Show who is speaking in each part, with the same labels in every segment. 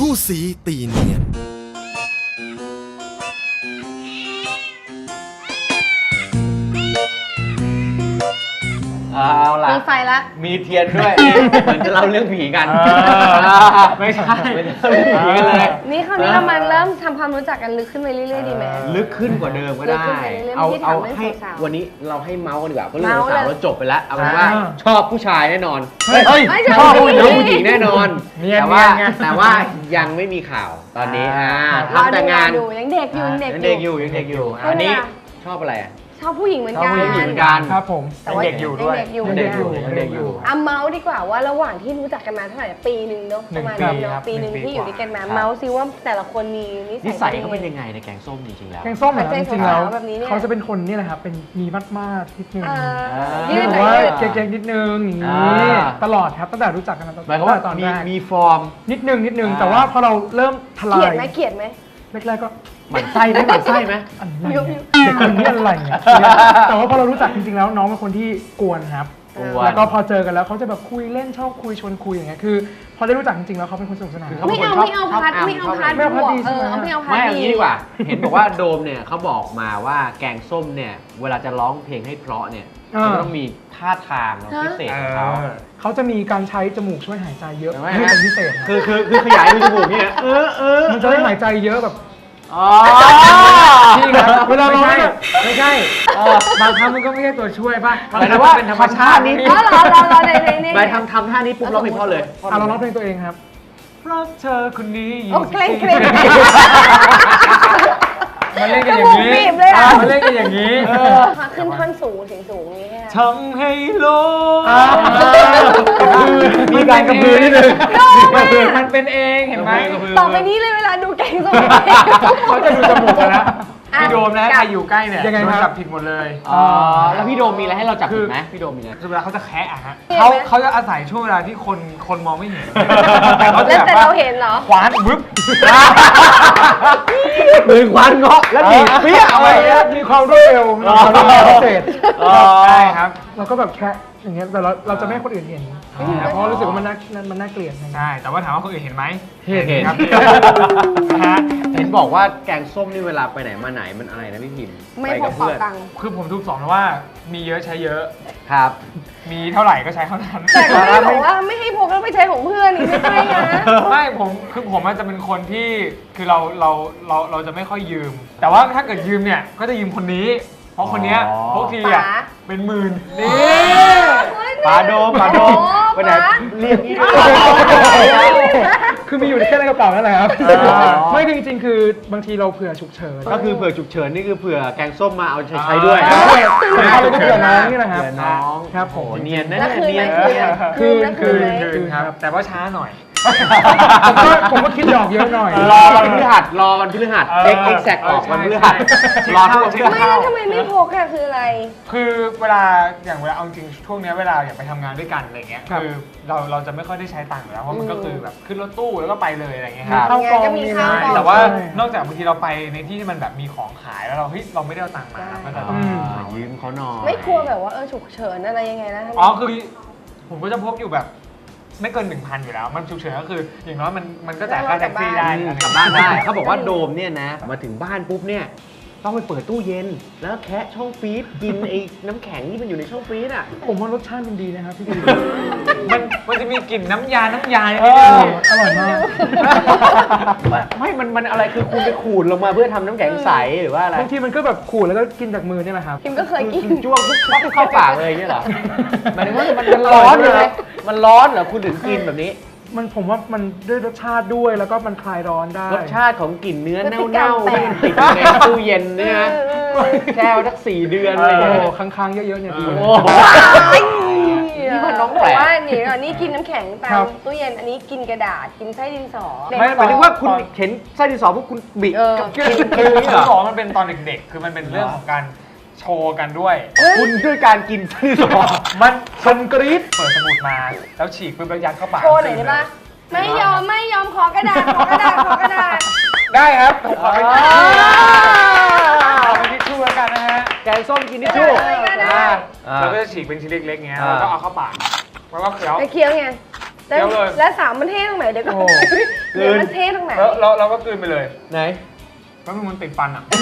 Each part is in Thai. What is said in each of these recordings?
Speaker 1: คู่สีตีเนียน
Speaker 2: เอาล่ะ
Speaker 3: มีไฟละ
Speaker 2: มีเทียนด้วย เหมือนจะเล่าเรื่องผีกันไม่ใช่ไม่ได้เล่าเรื่องผีกันเลย
Speaker 3: นี่คราวนี้เรามาเริ่มทำความรู้จักกันลึกขึ้นไปเรื่อยๆดีไหม
Speaker 2: ลึกขึ้นกว่าเดิมก็
Speaker 3: ลึก
Speaker 2: ได้
Speaker 3: ขึ้นไปเรื่อยๆ
Speaker 2: เอา
Speaker 3: ที่ถามเรื่อง
Speaker 2: ให้
Speaker 3: สาวๆ
Speaker 2: วันนี้เราให้เมาส์กันดีกว่าเพราะเรื่อง
Speaker 3: เมาส์
Speaker 2: สาว
Speaker 3: เลย
Speaker 2: เราจบไปแล้วเอาเป็นว่าชอบผู้ชายแน่นอน
Speaker 4: เฮ้ย
Speaker 3: ไม่
Speaker 2: ชอบ
Speaker 3: ผู้
Speaker 2: ผู้หญิงแน่นอน
Speaker 4: เนียน
Speaker 2: แต่ว่า
Speaker 4: ไง
Speaker 2: แต่ว่ายังไม่มีข่าวตอนนี้ทำแต่งาน
Speaker 3: รอดูยังเด็กอยู่
Speaker 2: ยังเด็กอยู่ยังเด็กอยู่
Speaker 3: ให้
Speaker 2: อันนี้
Speaker 3: เวลา
Speaker 2: ชอบอะไรอ่ะ
Speaker 3: ชอบผู้หญิงเหมือนกัน
Speaker 2: ชอบผู้หญิงเหมือนกัน
Speaker 4: ครับผม
Speaker 3: แต่ว่า
Speaker 4: เด็กอยู่ด้วย
Speaker 3: ยังเด็กอยู่
Speaker 2: ยังเด็กอยู่
Speaker 3: อ่ะเมาส์ดีกว่าว่าระหว่างที่รู้จักกันมาเท่าไหร่ปีหนึ่งเนาะประมาณ
Speaker 4: หนึ่งปี
Speaker 3: นี้
Speaker 4: ครั
Speaker 3: เนาะ
Speaker 4: บ
Speaker 3: ปีหนึ่ง
Speaker 4: หนึ่งปี
Speaker 3: ที่อยู่ด้วยกันมา
Speaker 2: ครับ
Speaker 3: เมาส์ซิว่าแต่ละคนมี
Speaker 2: นิสัยเขาเป็นยังไงในแกงส้มจริงๆแล้ว
Speaker 4: แกงส้มเหรอ
Speaker 3: ใจ
Speaker 4: จริงๆแล้ว
Speaker 3: สาวๆแบบนี้เนี่ย
Speaker 4: เขาจะเป็นคนนี่แหละครับเป็นมีมาดๆนิดนึง
Speaker 3: ยืด
Speaker 4: แต่
Speaker 3: หน่อ
Speaker 4: ว่าย
Speaker 3: ยืด
Speaker 4: เก๊กๆนิดนึงอย่างนี้
Speaker 2: อ่า
Speaker 4: ตลอดครับตั้งแต่รู้จักกันมา
Speaker 2: หมายความว่า
Speaker 4: ตอน
Speaker 2: มี
Speaker 4: แรก
Speaker 2: มีฟอร์ม
Speaker 4: นิดนึง
Speaker 2: อ่า
Speaker 4: แต่ว่าพอเราเริ่มทลา
Speaker 3: เกลียด
Speaker 4: ย
Speaker 3: ไหมเกลียดไหม
Speaker 4: แรกๆก็
Speaker 2: หมั่นไส้ไหมหมั่นไส้ไหม
Speaker 4: อะไรเนี่ยเด็กคนนี้อะไรเนี่ยแต่ว่าพอเรารู้จักจริงๆแล้วน้องเป็นคนที่กวนครับ
Speaker 2: กวน
Speaker 4: แล้วก็พอเจอกันแล้วเขาจะแบบคุยเล่นชอบคุยชวนคุยอย่างเงี้ยคือ พอได้รู้จักจริงๆแล้วเขาเป็นคนสนุกสนาน
Speaker 2: เขา
Speaker 3: ไม่
Speaker 2: เป็นคน
Speaker 3: เอา
Speaker 2: ชอบ
Speaker 3: ไม่เอาพัด
Speaker 2: ชอบ
Speaker 3: ไม่เอาพัด
Speaker 4: ไม่เอาพัด
Speaker 3: บวก
Speaker 4: ดีใช่ไหม
Speaker 3: ไม่เอาพัด
Speaker 2: ไม่เอา
Speaker 3: ดี
Speaker 2: งี้ดีกว่า เห็นบอกว่าโดมเนี่ยเขาบอกมาว่าแกงส้มเนี่ยเวลาจะร้องเพลงให้เพราะเนี่ยเขาจะต้องมีท่าทางพิเศษของเขา
Speaker 4: เขาจะมีการใช้จมูกช่วยหายใจเยอะ
Speaker 2: เห็นไหม
Speaker 4: เป็นพิเศษครับ
Speaker 2: คือขยายรูจมูกเนี่ย
Speaker 4: มันจะได้หายใจเยอะแบบ
Speaker 2: อ๋อ
Speaker 4: นี่ครับเวลาเรา
Speaker 2: ไม่ใช่
Speaker 4: บางครั้งมันก็ไม่ใช่ตัวช่วยป่ะ
Speaker 2: หมายถึงว่าเป็นธรรมชาตินี่
Speaker 3: อ๋อเหรอใน
Speaker 2: ไปทำท่านี้ปุ๊บร้องเพลงเพราะเลย
Speaker 4: อ่ะเราร้องเพลงตัวเองครับรักเธอคนนี้
Speaker 3: โอ้เกรงเกรง
Speaker 4: มาเล่นกันอย่างนี้
Speaker 3: จมูกบีบเลยอะ
Speaker 4: มาเล่นกันอย่างนี้
Speaker 3: ขึ้นท่อนสูงเสียงสูงอย่างนี้ค่ะ
Speaker 4: ทำให้โลก
Speaker 2: มีการกระพือนิดนึง
Speaker 4: มันเป็นเองเห็นไหม
Speaker 3: ต่อไปนี้เลยเวลาดูแกงส้ม
Speaker 4: เขาจะดูจมูกกันแล้ว
Speaker 3: อ่ะ
Speaker 4: พี่โดมนะใครอยู่ใกล้เนี่ยยังไงครับจับผิดหมดเลย
Speaker 2: อ๋อแล้วพี่โดมมีอะไรให้เราจับผิดไหมพี่โดมมีอะไร
Speaker 4: คือเวลาเขาจะแคะอะฮะ
Speaker 3: เห็นไหม
Speaker 4: เขาจะอาศัยช่วงเวลาที่คนมองไม่เห็น
Speaker 3: แล้วแต่เราเห็นเหรอ
Speaker 4: ขวานวึบ
Speaker 2: มือควันเงาะแล้วดีดเปี้ยเอาไว้
Speaker 4: มีความรวดเร็วมีความรวดเร็วพิเศษ
Speaker 2: อ๋อ
Speaker 4: ใช่ครับเราก็แบบแคะอย่างเงี้ยแต่เราจะไม่ให้คนอื่นเห็นเพราะรู้สึกว่ามันน่าเกลียดใช่แต่ว่าถามว่าคนอื่นเห็นไหม
Speaker 2: เห็น
Speaker 4: ครับ
Speaker 2: เห็นบอกว่าแกงส้มนี่เวลาไปไหนมาไหนมันอะไรนะพี่พิมพ์
Speaker 3: ไม่
Speaker 2: ไป
Speaker 3: พ
Speaker 2: กั
Speaker 3: ก
Speaker 2: บ
Speaker 3: เป๋า
Speaker 2: เพื่อน
Speaker 3: ตังค์
Speaker 4: คือผมทุกสอนว่ามีเยอะใช้เยอะ
Speaker 2: ครับ
Speaker 4: มีเท่าไหร่ก็ใช้เท่านั้น
Speaker 3: แต่ก็ไม่ได้บอกว่าไม่ให้พกแล้วไปใช้ของเพื่อนนี่ไม่ใช่นะ
Speaker 4: ไม่ผมอาจจะเป็นคนที่คือเราจะไม่ค่อยยืม แต่ว่าถ้าเกิดยืมเนี่ยก็จะยืมคนนี้ เพราะคนเนี้ยพกทีอ่ะ
Speaker 3: ป๋า
Speaker 4: เป็นหมื่นนี่
Speaker 2: ปลาโดมไปไหนเรียกพี่ด้วย
Speaker 4: คือมีอยู่แค่ในกระเป๋านั่นแหละครับ
Speaker 2: อ๋อ
Speaker 4: ไม่จริงๆคือบางทีเราเผื่อฉุกเฉิน
Speaker 2: ก็คือเผื่อฉุกเฉินนี่คือเผื่อแกงส้มมาเอาใช้ด้วย
Speaker 4: เราก็เผื่อน้องนี่แหละครับ
Speaker 2: เผื่อน้อง
Speaker 4: ครับผม
Speaker 2: โอ้เนียนนะ
Speaker 3: แล้วคืน
Speaker 2: เนี
Speaker 3: ไหม
Speaker 2: ยน
Speaker 3: คืนไหม
Speaker 4: คืนครับแต่ว่าช้าหน่อย ผมก็คิดดอกเยอะหน่อย
Speaker 2: รอวันพฤหัสเอ็กแซกออกวันพฤหัสรอทุกวันพฤ
Speaker 3: ไม่
Speaker 2: หัส
Speaker 3: แล้วทำไมไม่พกอะคืออะไร
Speaker 4: คือเวลาเอาจริงช่วงเนี้ยเวลาอยากไปทำงานด้วยกันอะไรเงี้ยคือเราจะไม่ค่อยได้ใช้ตังค์อยู่แล้วเพราะมันก็คือแบบขึ้นรถตู้แล้วก็ไปเลยอะไรเงี้ย
Speaker 2: ครับ
Speaker 4: เข้ากอง
Speaker 3: ก็มีข้าวกอง
Speaker 4: แต่ว่านอกจากบางทีเราไปในที่ที่มันแบบมีของขายแล้วเราไม่ได้เอาตังค์มาก็จะต้อง
Speaker 2: ยืมเขาหน่อย
Speaker 3: ไม่กลัวแบบว่าฉุกเฉินอะไรยังไงนะ
Speaker 4: อ๋อคือผมก็จะพกอยู่แบบไม่เกิน 1,000 อยู่แล้ว มันฉุกเฉินก็คืออย่างน้อยมันก็จ่ายค่าแท็กซี่ได้
Speaker 2: กลับบ้านได้เขาบอกว่าโดมเนี่ยนะมาถึงบ้านปุ๊บเนี่ยต้องไปเปิดตู้เย็น แล้วแคะช่องฟรีซกินไอ้น้ำแข็งที่มันอยู่ในช่องฟรีซอ่ะ
Speaker 4: ผมว่ารสชาติมันดีนะครับพี่ดี
Speaker 5: มันจะมีกลิ่นน้ำยา
Speaker 4: อร่อยมาก
Speaker 2: ไม่มันอะไรคือคุณไปขูดลงมาเพื่อทำน้ำแข็งใสหรือว่าอะไร
Speaker 4: บางทีมันก็แบบขูดแล้วก็กินจากมือเนี่ยแหละครับ
Speaker 3: พิมก็เคยกิน
Speaker 2: คุณจ้วงปุ๊บปั๊บเข้าปากเลยอย่างเงี้ยเหรอหมายถึงว่ามันร้อนเลยมันร้อนเหรอคุณถึงกินแบบนี้
Speaker 4: ผมว่ามันด้วยรสชาติด้วยแล้วก็มันคลายร้อนได้
Speaker 2: รสชาติของกลิ่นเนื้อ
Speaker 3: พฤติกรร
Speaker 2: เน่าม ๆ
Speaker 3: แปล
Speaker 2: ที่
Speaker 3: ก
Speaker 2: มันติดอยู่ในตู้เย็นเนี่ยนะแช่ไว้สัก4 เดือนอะไร
Speaker 4: โอ้
Speaker 2: เงี้ย
Speaker 4: ค้างๆเยอะๆเนี่ยดี
Speaker 2: โอ้โห นี่มันน้องแปลก
Speaker 3: ว่านี่ก่อนนี่กินน้ำแข็งตา
Speaker 4: ครั
Speaker 3: ม
Speaker 4: บ
Speaker 3: ตู้เย็นอันนี้กินกระดาษกินไส้ดินสอ
Speaker 2: ไม่หมายถึงว่าคุณเห็นไส้ดินสอพวกคุณบิ
Speaker 3: เออ
Speaker 2: กับ
Speaker 4: คื
Speaker 2: กิน
Speaker 4: คือ
Speaker 2: นี่เหรอ
Speaker 4: สองมันเป็นตอนเด็กๆ คือมันเป็นเรื่องของการโชว์กันด้วย
Speaker 2: คุณด้วยการกินไส้ดินสอ
Speaker 4: มันกรี๊ดเปิดสมุดมาแล้วฉีกปุ๊บแล้วยัดเข้าปาก
Speaker 3: โชว์หน่อยได้ปะไม่ยอมขอกระดาษขอกระดาษ
Speaker 4: ได้ครับผมขอเป็นทิชชู่แล้วกันนะฮะ
Speaker 2: แกงส้มกินทิชชู่
Speaker 3: ได้
Speaker 2: อ่า
Speaker 4: เราก็จะฉีกเป็นชิ้นเล็กๆเงี้ย
Speaker 2: อ่า
Speaker 4: แล้วก็เอาเข้าปากแล้วก็เคี้ยว
Speaker 3: ไปเคี้ยวไงแล้ว
Speaker 4: เดี๋ยวเลย
Speaker 3: แล้วสามมันเท่ตรงไหนเดี๋ยวก็
Speaker 4: โอ้
Speaker 3: เดี๋ยวมันเท่ตรงไหน
Speaker 4: แล้วเราก็กลืนไปเลย
Speaker 2: ไหน
Speaker 4: แล้วมันติดฟันอ่ะ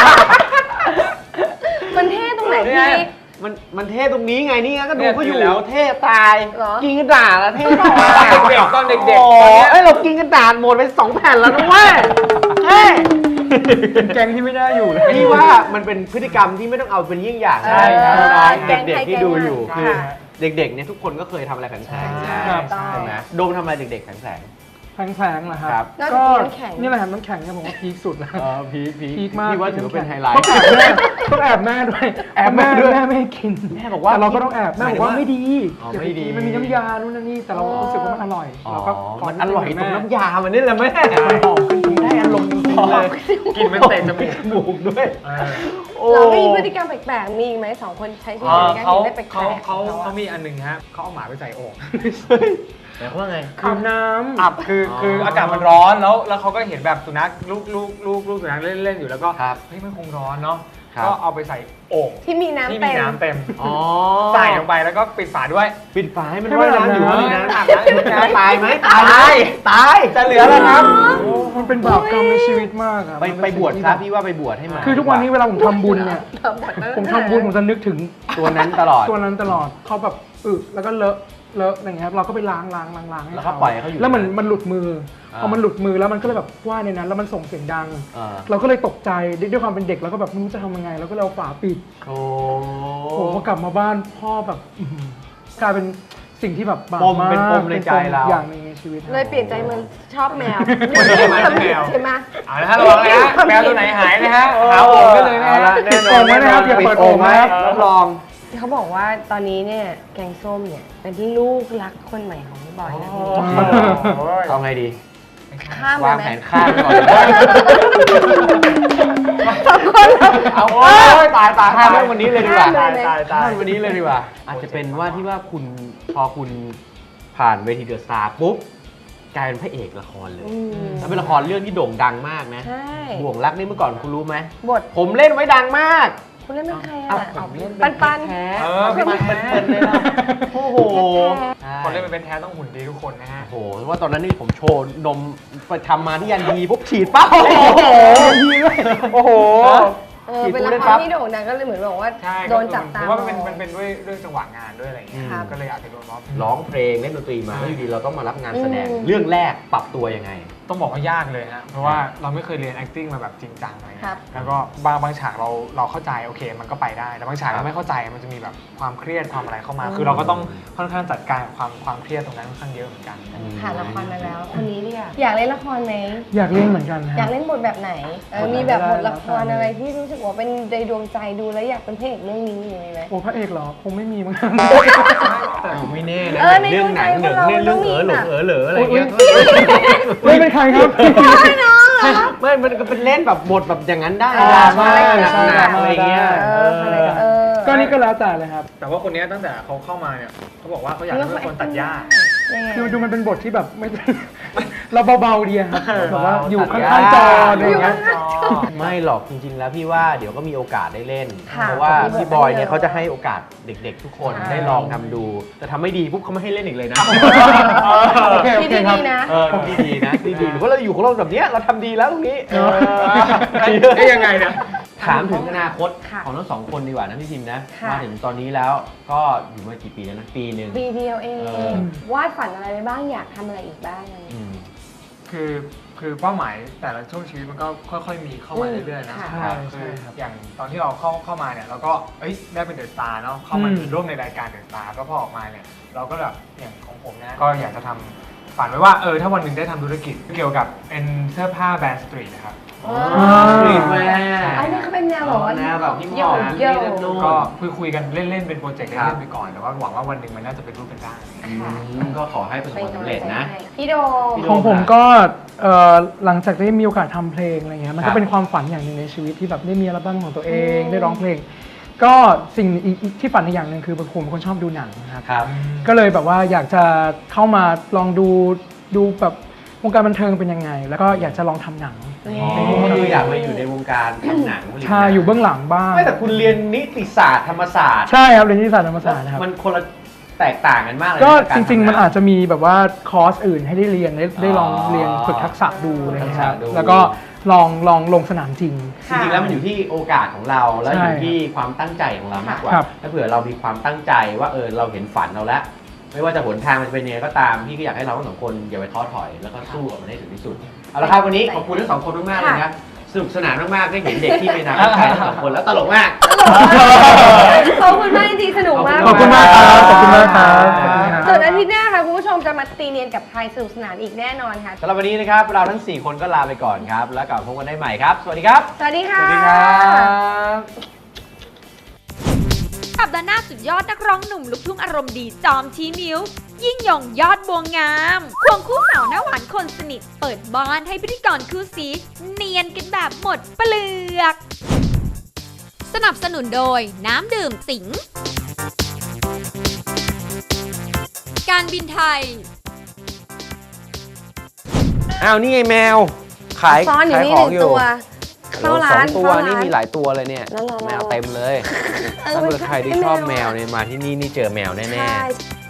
Speaker 3: มันเท่ตรงไหน
Speaker 4: นี่
Speaker 3: พี่
Speaker 4: ไง
Speaker 2: มันเท่ตรงนี้ไงนี่ไงก็ดู
Speaker 4: เนี่ย
Speaker 2: เขาอยู่
Speaker 4: อยู่แล้ว
Speaker 2: เท่ตาย
Speaker 3: เหรอ
Speaker 2: กินกระดาษแล้วเท่ตาย
Speaker 4: ตอนเด็กๆ
Speaker 2: โอ้
Speaker 4: ตอนเนี้ย
Speaker 2: เอ้ยเรากินกระดาษหมดไป2 แผ่นแล้วนะเว้ยเฮ้ย
Speaker 4: เป็นแกงที่ไม่ได้อยู่เลย
Speaker 2: พี่ว่ามันเป็นพฤติกรรมที่ไม่ต้องเอาเป็นเยี่ยงอย่าง
Speaker 3: ใช่ครับ
Speaker 2: เด็กๆที่ดูอยู่
Speaker 3: แกงไทย
Speaker 2: คือ
Speaker 3: ค่ะ
Speaker 2: เด็กๆเนี่ยทุกคนก็เคยทำอะไรแผลงๆ
Speaker 3: ใช่
Speaker 2: ใช่
Speaker 3: ต้อง
Speaker 2: ใช่ไหมโดมทำอะไรเด็กๆแผลง
Speaker 1: แพงๆเหรอค
Speaker 2: ครั
Speaker 1: รับ
Speaker 2: บ
Speaker 3: นอกจาก
Speaker 1: ก็
Speaker 3: กินน้ำแข็ง
Speaker 1: นี่แหละครับน้ำแข็งเนี่ยผมว่าพีคสุดแล้ว
Speaker 2: ๆพีค
Speaker 1: พีคมาก
Speaker 2: พี่ว่าถือว่าเป็นไฮไลท์
Speaker 1: ต้องแอบแม่ด้วย
Speaker 2: แอบแม่ด้วย
Speaker 1: แม่ไม่ให้กิน
Speaker 2: แม่บอกว่า
Speaker 1: แต่เราก็ต้องแอบแม่บอกว่าไม่ดี
Speaker 2: อ๋อ
Speaker 1: อย่า
Speaker 2: ไม่
Speaker 1: ไป
Speaker 2: ดี
Speaker 1: กินมันมีน้ำยานู่นนั่นนี่แต่เรารู้สึกว่ามันอร่อย
Speaker 2: อ๋อ
Speaker 1: เราก็ข
Speaker 2: มันอร่อยตรง
Speaker 1: แม่
Speaker 2: น้ำยามันนี่แหละแม่มันหอมขึ้นได้อารมณ์จริงๆเลย
Speaker 4: กินมันเตะจมูก
Speaker 2: จมูกด้วย โอ้
Speaker 3: เราไม่มีพฤติกรรมแปลกๆมีอีกไหมสองคนใช้ชีวิตในการ
Speaker 4: เขา
Speaker 3: กินได้แปลกๆ
Speaker 4: เขามีอันหนึ่งฮะเขาเอาหมาไปใส่โอ่ง
Speaker 2: หมายความว่าไง
Speaker 1: อาบน้ำ
Speaker 4: อับคืออากาศมันร้อนแล้วเขาก็เห็นแบบสุนัขลูกสุนัขเล่นอยู่แล้วก็
Speaker 2: ครับ
Speaker 4: เฮ้ยมันคงร้อนเนาะ
Speaker 2: ครับ
Speaker 4: ก็เอาไปใส่โอ่ง
Speaker 3: ที่มีน้ำ
Speaker 4: ที่
Speaker 3: เต็
Speaker 4: มี
Speaker 3: ม
Speaker 4: น้ำเต็ม
Speaker 2: อ๋อ
Speaker 4: ใส่ลงไปแล้วก็ปิดฝาด้วย
Speaker 2: ปิดฝาให้มันว่ายน้ำอยู่ว่ามีน้ำ
Speaker 4: อาบน้ำอยู่นะ
Speaker 2: ตายไหมตายไหมตาย
Speaker 4: จะเหลือแล้วครับ
Speaker 1: โอ้มันเป็นบาปกรรมในชีวิตมากอะ
Speaker 2: ไป
Speaker 1: มัน
Speaker 2: ไป
Speaker 1: เป็น
Speaker 2: บวช
Speaker 1: สิ่ง
Speaker 2: ครับ
Speaker 1: ที่
Speaker 2: พี่ว่าไปบวชให้มัน
Speaker 1: คือทุกวันนี้เวลาผมทำบุญเนี่ย ผมทำบุญผมจะนึกถึง
Speaker 2: ตัวนั้นตลอด
Speaker 1: ตัวนั้นตลอดเขาแบบแล้วก็เลอะอย่างเงี้ยครับเราก็ไปล้างให้
Speaker 2: แล้วก็ปล่อยให้เขาอยู่
Speaker 1: แล้วมันหลุดมือ
Speaker 2: อ่า
Speaker 1: พอมันหลุดมือแล้วมันก็เลยแบบว่ายในนั้น แล้วมันส่งเสียงดัง
Speaker 2: เออ
Speaker 1: เราก็เลยตกใจด้วยความเป็นเด็กเราก็แบบไม่รู้จะทำยังไงเราก็เลยเอาฝาปิด
Speaker 2: โอ้
Speaker 1: โอ้พอกลับมาบ้านพ่อแบบอื้อหือกลายเป็นสิ่งที่แบบบาป
Speaker 2: ปม
Speaker 1: มาก
Speaker 2: เป็นปมในใจเรา
Speaker 1: อย่างหนึงในชีวิต
Speaker 3: เลยเปลี่ยนใจมันชอบแมว
Speaker 4: แมว
Speaker 3: ใช่ไหม
Speaker 4: เอาละฮะระวังนะฮะแมวตัวไหนหายนะฮะหาโอ่งได้เลยนะ
Speaker 2: อา
Speaker 4: ฮะ
Speaker 2: ละแน่นอน
Speaker 1: ปิดโอ่งไว้นะครับอย่าเปิดโอ่ง
Speaker 2: ไว้
Speaker 1: นะครับ
Speaker 2: รับรอง
Speaker 3: เขาบอกว่าตอนนี้เนี่ยแกงส้มเนี่ยเป็นที่ลูกรักคนใหม่ของพี่บอยนะ
Speaker 2: เอาไงดี
Speaker 3: ข้ามเล
Speaker 2: วาย ง
Speaker 3: ไหม
Speaker 2: แผนข้ามไปก่อน
Speaker 3: สองคนเหรอ
Speaker 2: เอาโอ้ยตายข้ามเรื่องวันนี้เลยดีกว่า
Speaker 3: ข้ามเลยไหม
Speaker 2: ข้ามวันนี้เลยดีกว่า อาจจะเป็นว่าที่ว่าคุณพอคุณผ่านเวทีเดอะสตาร์ปุ๊บกลายเป็นพระเอกละครเลย
Speaker 3: อืม
Speaker 2: แล้วเป็นละครเรื่องที่โด่งดังมากนะ
Speaker 3: ใช่
Speaker 2: บ่วงรักนี่เมื่อก่อนคุณรู้ไหม
Speaker 3: บท
Speaker 2: ผมเล่นไว้ดังมาก
Speaker 3: คุณเล่นเป็นใคร
Speaker 2: อ้าว
Speaker 3: อ่ะ
Speaker 2: ผมเล่น
Speaker 3: ปัน
Speaker 2: แท้
Speaker 4: เออ
Speaker 2: เป็นเป็นเลยนะโอ้โห
Speaker 4: คนเล่นเป็นแท้ต้องหุ่นดีทุกคนนะฮะ
Speaker 2: โอ้โหเพราะว่าตอนนั้นนี่ผมโชว์นมไปทำมาที่ยันดีปุ๊บฉีดปั๊บโอ้โหโอ้โห
Speaker 3: เออเป็นละครที่โด่งดังก็เลยเหมือนบอกว่า
Speaker 4: ใช่
Speaker 3: โดนจับตา
Speaker 4: ผมว่ามันเป็นด้วยจังหวะงานด้วยอะไรอย่างเงี้ย
Speaker 3: ครับ
Speaker 4: ก็เลยอาจจะโดนล้อ
Speaker 2: ร้องเพลงเล่นดนตรีมาแล้วอยู่ดีเราต้องมารับงานแสดง
Speaker 3: อืม
Speaker 2: เรื่องแรกปรับตัวยังไง
Speaker 4: ต้องบอกว่ายากเลยฮะ เพราะว่าเราไม่เคยเรียน acting มาแบบจริงจังอะไร
Speaker 3: ครั
Speaker 4: เงี้
Speaker 3: บ
Speaker 4: ยแล้วก็บางฉากเราเข้าใจโอเคมันก็ไปได้ แต่บางฉากเราไม่เข้าใจมันจะมีแบบความเครียดความอะไรเข้ามา คือเราก็ต้องค่อนข้างจัดการความเครียดตรงนั้นค่อนข้างเยอะเหมือนกัน
Speaker 3: ผ่านละครมาแล้ว คนนี้เนี่ยอยากเล่นละครไหม
Speaker 1: อยากเล่นเหมือนกันค
Speaker 3: อยา
Speaker 1: รั
Speaker 3: ก
Speaker 1: บ
Speaker 3: เล่นบทแบบไหนมีแบบบทละครอะไรที่รู้สึกว่าเป็นในดวงใจดูแล้วอยากเป็นพระเอกเรื่องนี้มีไหม
Speaker 1: โอ้พระเอกเหรอคงไม่มีมั้ง
Speaker 2: ไม่แน่นะ
Speaker 3: เออใน
Speaker 2: เรื่องหนัง
Speaker 3: ดวงใจ
Speaker 2: เรื่อง
Speaker 3: ของเรา
Speaker 2: เรื่องเหลอ
Speaker 3: ต้องมี
Speaker 2: อะไรเงี้ย
Speaker 1: ไม่เป็นใครครับ
Speaker 2: ไม่มันก็เป็นเล่นแบบบทแบบอย่างนั้นได้
Speaker 3: เออ
Speaker 2: ดราม่า
Speaker 1: ใช่
Speaker 2: หนักๆอะไรเงี้ย
Speaker 3: เออ
Speaker 1: ก็นี่ก็แล้วแต่เลยครับ
Speaker 4: แต่ว่าคนนี้ตั้งแต่เขาเข้ามาเนี่ยเขาบอกว่าเขาอยากให้เป็นคนตัดหญ้า
Speaker 3: ยังไง
Speaker 1: คือดูมันเป็นบทที่แบบไม่ เราเบาๆดีอะครับแบบว่าอยู่
Speaker 2: ตัด
Speaker 1: ข้างๆจอ
Speaker 2: หญ้า
Speaker 1: อะไรอย่างเงี้ย
Speaker 2: ไม่หรอกจริงๆแล้วพี่ว่าเดี๋ยวก็มีโอกาสได้เล่น
Speaker 3: ค่ะ
Speaker 2: เพราะว่า
Speaker 3: มีบท
Speaker 2: พี่บอย
Speaker 3: เย
Speaker 2: เนี่ย
Speaker 3: อะ
Speaker 2: เขาจะให้โอกาสเด็กๆ ทุกคน
Speaker 3: ใช่
Speaker 2: ได้ลองทำดูแต่ทำไม่ดีปุ๊บเขาไม่ให้เล่นอีกเลยนะ
Speaker 1: โอเค
Speaker 3: ที่
Speaker 1: ครับ
Speaker 3: ดีๆนะ
Speaker 2: เออดีๆนะดีๆหรือว่าเราอยู่ของเราแบบเนี้ยเราทำดีแล้วตรงนี้
Speaker 4: ได้ยังไงเนี่ย
Speaker 2: ถามถึงอนาคต
Speaker 3: ค่ะ
Speaker 2: ของทั้งสองคนดีกว่านะพี่พิมนะ
Speaker 3: ค่ะ
Speaker 2: มาถึงตอนนี้แล้วก็อยู่มากี่ปีแล้วนะปีหนึ่ง
Speaker 3: ปีเดียวเอง
Speaker 2: เออ
Speaker 3: วาดฝันอะไรไปบ้างอยากทำอะไรอีกบ้างอะไรอย่างเงี้ย
Speaker 2: อืม
Speaker 4: คือเป้าหมายแต่ละช่วงชีวิตมันก็ค่อยๆมีเข้ามาเรื่อยๆนะ
Speaker 3: ค่ะ
Speaker 1: ใช่
Speaker 4: คือ
Speaker 1: ครับ
Speaker 4: อย่างตอนที่เราเข้ามาเนี่ยเราก็ได้เป็นเดอะสตาร์เนาะเข้ามาร่วมในรายการเดอะสตาร์ก็พอออกมาเนี่ยเราก็แบบอย่างของผมนะก็อยากจะทำฝันไว้ว่าถ้าวันหนึ่งได้ทำธุรกิจเกี่ยวกับเป็นเสื้อผ้าแบรนด์สตรีทนะครับ
Speaker 2: สตรีทแวร์
Speaker 3: อันนี้เขาเป็นแนวแบบว่า
Speaker 2: แนวแบบฮิปฮ
Speaker 3: โย
Speaker 2: อป
Speaker 3: กโยก
Speaker 2: นู่น
Speaker 4: ก็คุยกันเล่นๆเป็นโปรเจกต์
Speaker 2: ครับ
Speaker 4: เล่นๆไปก่อนแต่ว่าหวังว่าวันหนึ่งมันน่าจะเป็นรูปเป็นร่าง
Speaker 2: ก็ขอให้ประสบ
Speaker 3: เป็น
Speaker 2: ความ
Speaker 3: กำลั
Speaker 2: สำ
Speaker 3: ง
Speaker 2: เร็จ
Speaker 3: ใจ
Speaker 2: นะ
Speaker 3: ให้พี่โดม
Speaker 2: พี่โด
Speaker 1: ของผมก็หลังจากได้มีโอกาสทำเพลงอะไรเงี้ยมัน
Speaker 2: ครั
Speaker 1: ก็
Speaker 2: บ
Speaker 1: เป็นความฝันอย่างหนึ่งในชีวิตที่แบบได้มีอัลบั้มของตัวเองได้ร้องเพลง ก็สิ่งอีกที่ฝันอีกอย่างหนึ่งคือผมเป็นคนชอบดูหนังนะครับ
Speaker 2: ครับ
Speaker 1: ก็เลยแบบว่าอยากจะเข้ามาลองดูแบบวงการบันเทิงเป็นยังไง แล้วก็อยากจะลองทำหนัง
Speaker 2: ก็คืออยากมาอยู่ในวงการทำหนังผลิตหนัง
Speaker 1: ใช่อยู่เบื้องหลังบ้าง
Speaker 2: ไม่แต่คุณเรียนนิติศาสตร์ธรรมศาสตร์
Speaker 1: ใช่ครับเรียนนิติศาสตร์ธรรมศาสตร์นะครับ
Speaker 2: มันคนละแตกต่างกันมากเลย
Speaker 1: ก็
Speaker 2: นะ
Speaker 1: จริง ๆ มัน
Speaker 2: กา
Speaker 1: อาจจะมีแบบว่าคอร์สอื่นให้ได้เรียนได้ลองเรียนฝึกทักษะดูอะไรอย่างเงี้ยครับ
Speaker 2: ทักษะดู
Speaker 1: แล้วก็ลองลงสนามจริง
Speaker 2: จริงๆแล้วมันอยู่ที่โอกาสของเราแล้ว
Speaker 1: ใช่
Speaker 2: อยู่ที่ความตั้งใจของเรามากกว่า
Speaker 1: ครับ
Speaker 2: ถ้าเผื่อเรามีความตั้งใจว่าเราเห็นฝันเราแล้ว ไม่ว่าจะหนทางมันจะเป็นยังไงก็ตามพี่ก็อยากให้เราทั้งสองคนอย่าไปท้อถอยแล้วก็สู้กับมันให้ถึงที่สุดเอาละครับวันนี้ขอบคุณทั้งสองคนมากๆเลยนะสนุกสนานมากๆได้เห็นเด็กที่ไม่นานใครทั้งสองคนแล้วตลกมาก
Speaker 3: ขอบคุณมากจริงๆสนุกมาก
Speaker 1: ขอบคุณมากครับขอบคุณมากครับขอบคุณครับ
Speaker 3: ส่วนอาทิตย์หน้าค่ะคุณผู้ชมจะมาตีเนียนกับไทยสนุกสนานอีกแน่นอนค่ะ
Speaker 2: สำหรับวันนี้นะครับเราทั้ง 4 คนก็ลาไปก่อนครับ แล้วกลับมาพบกันได้ใหม่ครับ สวัสดีครับ
Speaker 3: สวัสดีค่ะ
Speaker 6: สัปดาห์หน้าสุดยอดนักร้องหนุ่มลูกทุ่งอารมณ์ดีจอมชี้นิ้ว ยิ่งยงยอดบัวงามควงคู่สาวหน้าหวานคนสนิท เปิดบ้านให้พิธีกรคู่ซีเนียนกันแบบหมดเปลือก สนับสนุนโดยน้ำดื่มสิง การบินไทย
Speaker 2: อ้าวนี่ไงแมว ขาย
Speaker 3: ซ้อนอยู่นี่
Speaker 2: ข
Speaker 3: ห
Speaker 2: อง
Speaker 3: นึ่งตัว เข้าร้าน
Speaker 2: 2 ตัว
Speaker 3: เข้าร้าน
Speaker 2: นี่มีหลายตัวเลยเนี่ย
Speaker 3: แล้วเรา
Speaker 2: แมวเต็มเลย ถ้าเกิดใครที่ชอบแมวเนี่ยมาที่นี่นี่เจอแมวแน่
Speaker 3: ใช่